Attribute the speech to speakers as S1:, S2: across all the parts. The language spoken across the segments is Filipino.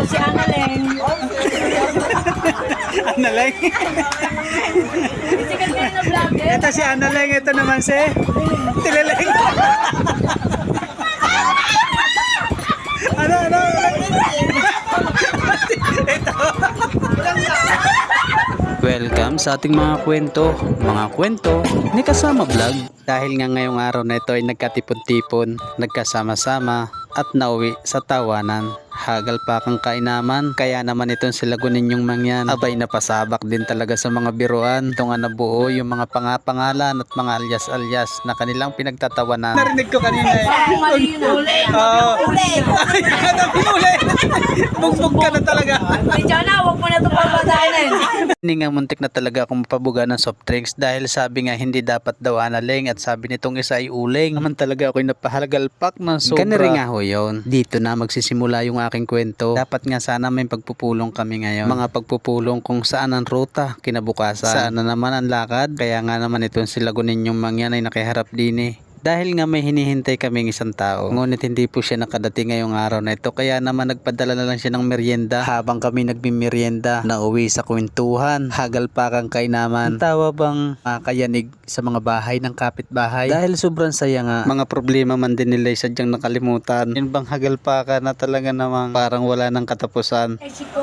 S1: Ako si Annaleng.
S2: Annaleng.
S1: Sikat kayo na vlogger.
S2: Ito si Annaleng, ito naman si Tileleng. Ano? Ito. Welcome sa ating mga kwento ni Kasama Vlog. Dahil nga ngayong araw na ito ay nagkatipon-tipon, nagkasama-sama at nauwi sa tawanan. Hagal pa kang kainaman, kaya naman itong sila Guninyong mangyan. Abay napasabak din talaga sa mga biruan. Ito nga nabuo yung mga pangalan at mga alias-alias na kanilang pinagtatawanan. Narinig ko kanina eh.
S1: Mali yun.
S2: Uli! Bugbog ka na talaga.
S1: Ay, Jana, huwag mo na ito papatayin.
S2: Hindi nga muntik na talaga akong mapabuga ng soft drinks dahil sabi nga hindi dapat daw Annaleng at sabi nitong isa ay uling. Naman talaga ako'y napahalagalpak ng sobra. Ganun nga ho yun. Dito na magsisimula yung aking kwento. Dapat nga sana may pagpupulong kami ngayon. Mga pagpupulong kung saan ang ruta kinabukasan. Saan na naman ang lakad. Kaya nga naman itong sila Guninyong mangyan ay nakiharap din eh. Dahil nga may hinihintay kaming isang tao. Ngunit hindi po siya nakadating ngayong araw na ito. Kaya naman nagpadala na lang siya ng merienda. Habang kami nagmimerienda, nauwi sa kwentuhan. Hagal pa kang kainaman. Ang tawa bang makayanig sa mga bahay ng kapitbahay. Dahil sobrang saya nga. Mga problema man din nila sadyang nakalimutan. Yun bang hagal pa ka na talaga namang parang wala ng katapusan.
S1: Ay, Chico.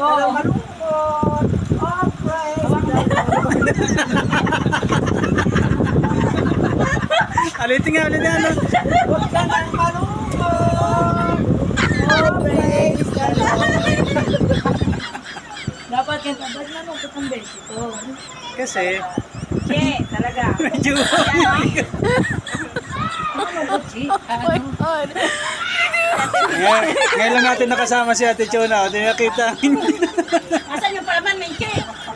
S2: Alitin nga.
S1: Dapat kanta. Ba't na mo itong beso ko?
S2: Kasi
S1: Che, talaga.
S2: medyo
S1: Ano ko, Chi?
S2: ngayon lang natin nakasama si Ate Chona. Hindi nakita.
S1: Asan yung palaman, may Che?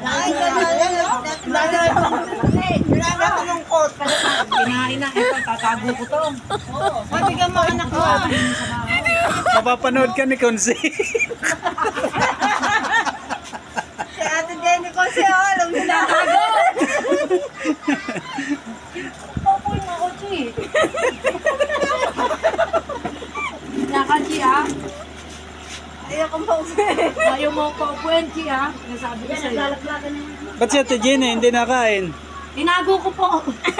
S1: Kinain na. Ito, tatago ko to. Pati ka mga anak ko.
S2: Mapapanood ka ni Konsi.
S1: Si Ate Jenny ko siya, alam mo na. Tatago! Papoy mo ako, Chi. Naka, Chi, ah. Ayaw kong paupuin. Ayaw mo paupuin, Chi, ah. Nasabi ko sa'yo.
S2: Ba't si Ate Jenny hindi nakain?
S1: Tinago ko po.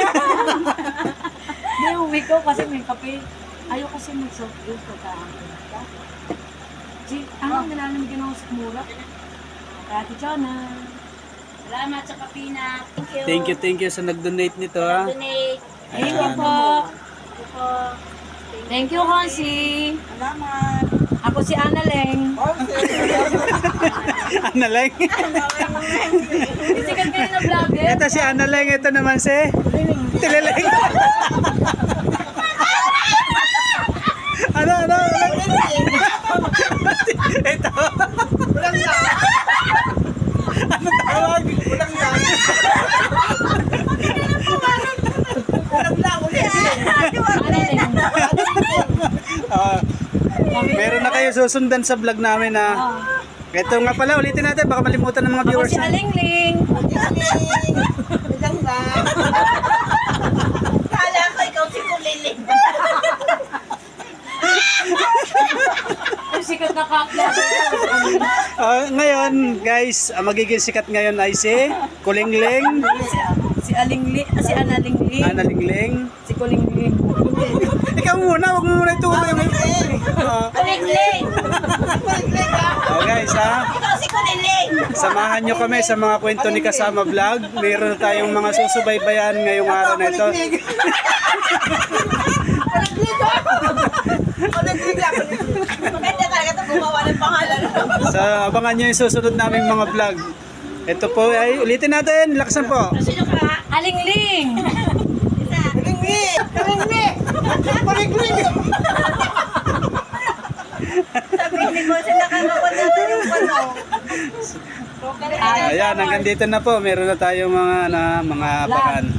S1: Hindi, uwi ko kasi may kape. Ayaw kasi mag-soft drink pagkakakita. Chi, nilalam ginawa sa mura. Ate Chona. Salamat sa kapina.
S2: Thank you sa nag-donate nito ha.
S1: Donate. Thank you po. Thank you, Konsi.
S3: Salamat.
S1: Ako si Annaleng.
S2: Annaleng.
S1: Sikat kayo na vlogger.
S2: Ito si Annaleng, ito naman si Tileleng. Ano? Ito.
S3: Walang na.
S2: Ano tawag?
S3: Walang na. Walang na.
S1: Annaleng.
S2: Meron na kayo susundan sa vlog namin ha. Ito nga pala, ulitin natin, baka malimutan ng mga
S1: Ako
S2: viewers.
S1: si Alingling.
S3: Walang na. Kala ko ikaw si Kuliling.
S1: Ang sikat na ka-vlog.
S2: Ngayon guys, ang magiging sikat ngayon ay si Kulingling,
S1: Si Alingling. Si Annalingling.
S2: Annalingling.
S1: Si Kulingling.
S2: Ikaw muna, wag mo muna ituloy.
S1: Kulingling.
S2: Guys ha,
S3: Ikaw si Kuliling.
S2: samahan nyo kami sa mga kwento ni Kasama Vlog. Meron tayong mga susubaybayan ngayong araw na ito.
S3: Maganda talaga ito gumawa ng pangalan.
S2: So abangan nyo yung susunod naming mga vlog. Ito po ay, ulitin natin, laksan po.
S3: Sino ka?
S1: Alingling.
S3: Kuliling. Kuliling. Kuliling. Sabihin ni Boss, nakakapag natin yung ano.
S2: Ayan, hanggang dito na po. Meron na tayong mga abangan.